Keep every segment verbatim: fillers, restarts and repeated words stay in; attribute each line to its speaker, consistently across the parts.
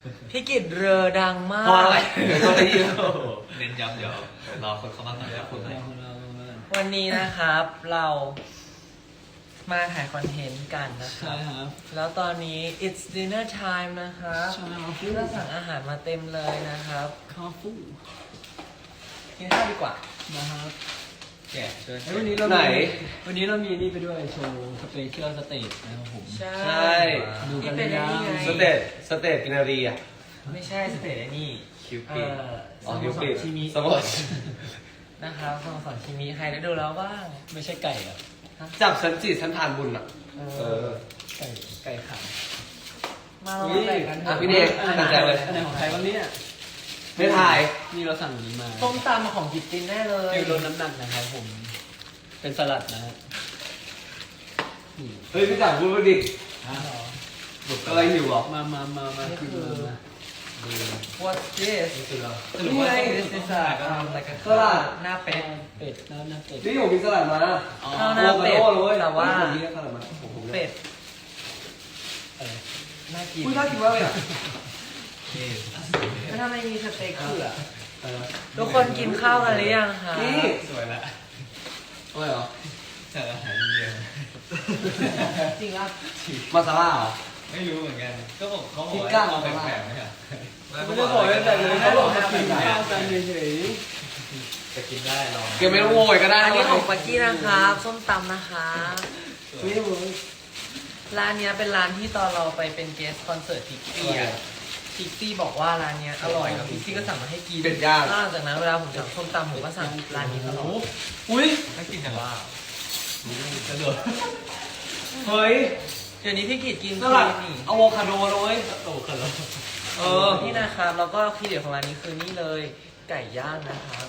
Speaker 1: พี่กิตเรือดังมาก
Speaker 2: เพราะอะไรก็ได้ยิน
Speaker 3: เน้นย้ำเดี๋ยวรอคนเข้ามาก่อนแล้วคุณไหม
Speaker 1: วันนี้นะครับเรามาถ่ายคอนเทนต์กันนะครั
Speaker 4: ใช่
Speaker 1: บ
Speaker 4: ครับ
Speaker 1: แล้วตอนนี้ it's dinner time นะครับ
Speaker 4: ใช่ครับ
Speaker 1: พี่ก็สั่งอาหารมาเต็มเลยนะครับ
Speaker 4: ข้าวฟู
Speaker 1: กินข้าวดีกว่า
Speaker 4: นะครับ
Speaker 3: แกะเชิญ
Speaker 4: แล้ววันนี้เรา
Speaker 2: ไหน
Speaker 4: มีวันนี้เรามีนี่ไปด้วยโชว์สเปเชียลสเตจนะครับผม
Speaker 1: ใช่
Speaker 2: ใช่
Speaker 4: ดูกัน
Speaker 1: ที่
Speaker 4: เลย
Speaker 1: เป็น
Speaker 4: นะ
Speaker 1: ไง
Speaker 2: สเตจสเตจกินนารีอ่ะ
Speaker 1: ไม่ใช่สเตจไอ้นี่
Speaker 3: คิว
Speaker 1: เอ่
Speaker 3: ปิด
Speaker 1: อ
Speaker 2: อ๋อ
Speaker 1: สโม
Speaker 2: คิว
Speaker 1: ส
Speaker 2: ปิ
Speaker 1: ร
Speaker 2: ด
Speaker 1: ชิมิ
Speaker 2: สมอ
Speaker 1: นะครับสโมสรชิมิใครได้ดูแล้วบ้าง
Speaker 4: ไม่ใช่ไก่อ่ะ
Speaker 2: จับฉันจีฉันทานบุญอ่ะ
Speaker 1: เอ
Speaker 2: เอ
Speaker 1: อ
Speaker 2: อ
Speaker 4: ไก่ไก่ขา
Speaker 1: มาลองแบ่งกันเถ
Speaker 2: อ่ะ
Speaker 1: อะ
Speaker 2: พี่เดช
Speaker 4: อันไหน
Speaker 2: ตั้งใจเลย
Speaker 4: อันไหนของใครวันนี้เนี่ย
Speaker 2: ไม่ถ่าย
Speaker 4: นี่เราสั่งอันนี้มา
Speaker 1: ส้มตำของกิตตินแน่เลย
Speaker 4: ฟิวลดน้ำหนักนะครับผม เป็นสลัดนะฮะนี่
Speaker 2: เฮ้ยพี่จับพูดมาดิ
Speaker 4: อ่ะเหรอ
Speaker 2: อะไรอยู่หรอ
Speaker 4: มามามามาคือมามาดู
Speaker 1: What's this
Speaker 3: นี่คือเรา
Speaker 1: สรุปว่า this is a um like a
Speaker 2: สลัด
Speaker 1: หน้าเป็ด
Speaker 4: เป็ดน้ำน้ำเป็ด
Speaker 2: นี่ผมมีสลัดมา
Speaker 1: ข้าวหน้าเป็ด
Speaker 2: โอ้โหเลย
Speaker 1: แต่ว่า
Speaker 2: ผมมีสลัดมาผมผม
Speaker 1: เป็ด
Speaker 4: อะไร
Speaker 1: น่ากิน
Speaker 2: คุณน่ากินมากเลยอ่ะ
Speaker 3: นี่
Speaker 1: แล้วทำไมมีสเต็กเผือก
Speaker 2: อะไรนะ
Speaker 1: ทุกคนกินข้าวกันหรือยังคะ
Speaker 2: นี่
Speaker 3: สวยละ
Speaker 2: อะไรเหรอ
Speaker 3: จากอาหารอินเดีย
Speaker 1: จริงอ่ะ
Speaker 2: มาซาล่าเหรอ
Speaker 3: ไม่รู้เหมือนกัน ก็บอกเขาบอก
Speaker 2: พิ
Speaker 3: ว่า
Speaker 2: ก้า
Speaker 3: เอาแปลกๆไหมครับ
Speaker 4: ไม่ได้บอกตั้งแต่เลยเขาบอกมากินข้าวกันเฉย
Speaker 3: จะกินได้ลอง
Speaker 2: เกมไม่ต้องโวยก็ได้
Speaker 1: อันนี้ของ
Speaker 2: นะ
Speaker 1: ปักกี้นะครับส้มตำนะคะ
Speaker 2: นี่มึง
Speaker 1: ร้านเนี้ยเป็นร้านที่ตอนเราไปเป็นเกสคอนเสิร์ตพิกซี่อ่ะพิกซี่บอกว่าร้านเนี้ยอร่อยแล้วพิกซี่ก็สั่งมาให้กิน
Speaker 2: เป็ดย่าง
Speaker 1: หลังจากนั้นเวลาผมสั่งส้มตำผมก็สั่งร้านนี้ตลอด
Speaker 2: อุ้ย
Speaker 3: น่ากินจังว่าสะดวก
Speaker 2: เฮ้ย
Speaker 1: เดี๋ยวนี้พี่กิตกิน
Speaker 2: สลัด
Speaker 1: คลีนนี่
Speaker 2: อะโวคาโดเลย
Speaker 3: โตกันแล้ว
Speaker 2: เออ
Speaker 1: นี่นะครับแล้วก็ที่เด็ดของร้านนี้คือนี่เลยไก่ย่างนะครับ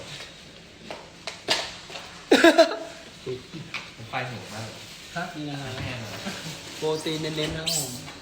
Speaker 3: ผมไฟหิวมาก
Speaker 4: ๆครับนี่นะฮะ
Speaker 3: แห้งเลย
Speaker 4: โปรตีนเน้นๆนะครับผม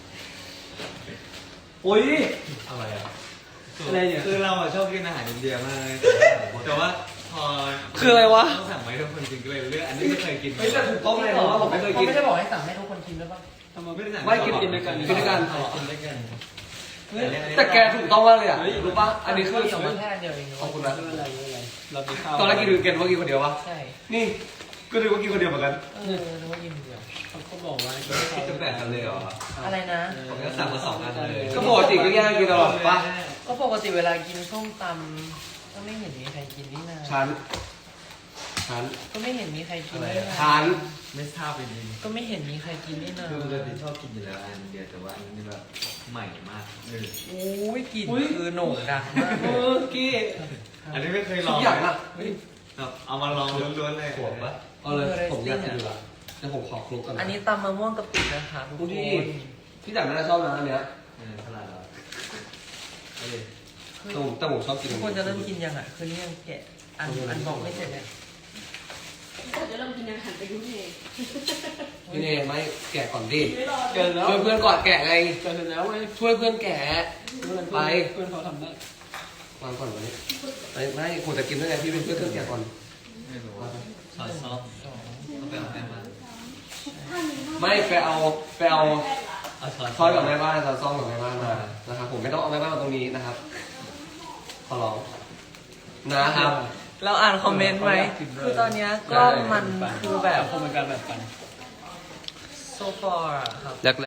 Speaker 2: อุ้ย
Speaker 3: อะไรอ่ะ
Speaker 4: อะไรเนี่ย
Speaker 3: คือเราอะชอบกินอาหารอินเดียมากเลยแต่ว่าพอ
Speaker 2: คืออะไรวะ
Speaker 3: ต้องสั่งไว้ทุกคนกินก็เลยเลือกอันนี้ไม่เคยกิน
Speaker 2: เฮ้ยแต่ถูกต้องเลยนะว่าผมไม่เคยกิน
Speaker 1: ไม่ได้บอกให้สั่งให้ทุกคนกินด้วยป่ะ
Speaker 4: ทำไม
Speaker 3: ไม่ได้สั่ง
Speaker 2: ไม่กิน
Speaker 4: กินด้วยกัน
Speaker 2: กินด้วยกัน
Speaker 3: กินด้วยกัน
Speaker 2: แต่แกถูกต้องมากเลยอ่ะรู้ปะอันนี้คือ
Speaker 1: เดียวมาแค่อันเดียวเอง
Speaker 2: ขอบคุณ
Speaker 4: ไม่
Speaker 2: นะ
Speaker 4: เป็นไรไม่เป็นไรเรามีข้าว
Speaker 2: ตอนแรกกินดูเกนว่ากินคนเดียววะ
Speaker 1: ใช่
Speaker 2: นี่ก็ดูว่ากินคนเดียวเหมือนกัน
Speaker 1: เออนึกว่ากินคนเดียว
Speaker 4: เขาก็บอกว่า
Speaker 3: คิดจะแบ่งกันเลยเหรอ
Speaker 1: อะไรนะ
Speaker 3: ผมก็สั่งมาสองอันเลย
Speaker 2: ก็ปกติก็แย่งกินตลอดปะ
Speaker 1: ก็ปกติเวลากินส้มตำก็ไม่เห็นมีใครกินนี่นา
Speaker 2: ฉันฉัน
Speaker 1: ก็ไม่เห็นมีใครกินนี่นา
Speaker 2: ฉัน
Speaker 3: ไม่ทราบจริง
Speaker 1: ก็ไม่เห็นมีใครกินนี่นา
Speaker 3: คือปกติชอบกินอยู่แล้วอันเดียวแต่ว่าอันนี้แบบใหม่มากเลย
Speaker 1: โอ้ยกลิ่นคือโหน่งดังมาก
Speaker 2: เออกี้
Speaker 3: อันนี้ไม่เคยล
Speaker 2: ทุ
Speaker 3: อก ง
Speaker 2: อย่างอ่ะ
Speaker 3: แบบเอามาลองล้วนๆเลยขวบปะ
Speaker 2: เอาเลยผมอยากกินอยู่ละเดี๋ยวผมขอคลุกกัน
Speaker 1: อันนี้ตำมะม่วงกะปินะคะทุก
Speaker 2: ดู
Speaker 1: ค
Speaker 2: ดิ
Speaker 1: น
Speaker 2: พี่จักรน่าจะชอบนะอันเนี้ย
Speaker 3: เออตลาดเราเอ้ย
Speaker 2: แต่ผมแต่ผมชอบกิน
Speaker 1: ทุกคนจะเริ่มกินยังอ่ะคือนี่ยังแกะอันอันบอกไม่เสร็จเลย
Speaker 5: เราจะเริ่มกินอาหารไปยุ่งเอง
Speaker 2: นี่เนี่ยไม่แกะก่อนดิ
Speaker 4: เกินแล้ว
Speaker 2: ช่วยเพื่อนก่อนแกะไง
Speaker 4: เกินแล้วไง
Speaker 2: ช่วยเพื่อนแกะ ไป
Speaker 4: เพื่อนเขาทำได้
Speaker 2: วางก่อนวันนี้ไม่ไม่ผมจะกินด้วยไงพี่เป็นเพื่อนเพื่อนแกะก่อน
Speaker 3: ไม่รู้ว่าซอสซอสต้องไปเอาแม่มา
Speaker 2: ไม่ไปเอาไปเอา
Speaker 3: เอาช้อน
Speaker 2: ช้อนกับแม่บ้านช้อนซ่อมกับแม่บ้านมานะครับผมไม่ต้องเอาแม่บ้านมาตรงนี้นะครับขอร้องนะครับ
Speaker 1: เราอ่านคอมเมนต์ไหมคือตอนเนี้ยกล้องมันคือแบบ
Speaker 4: คงเป็นการแบบกัน
Speaker 1: so far อะครับ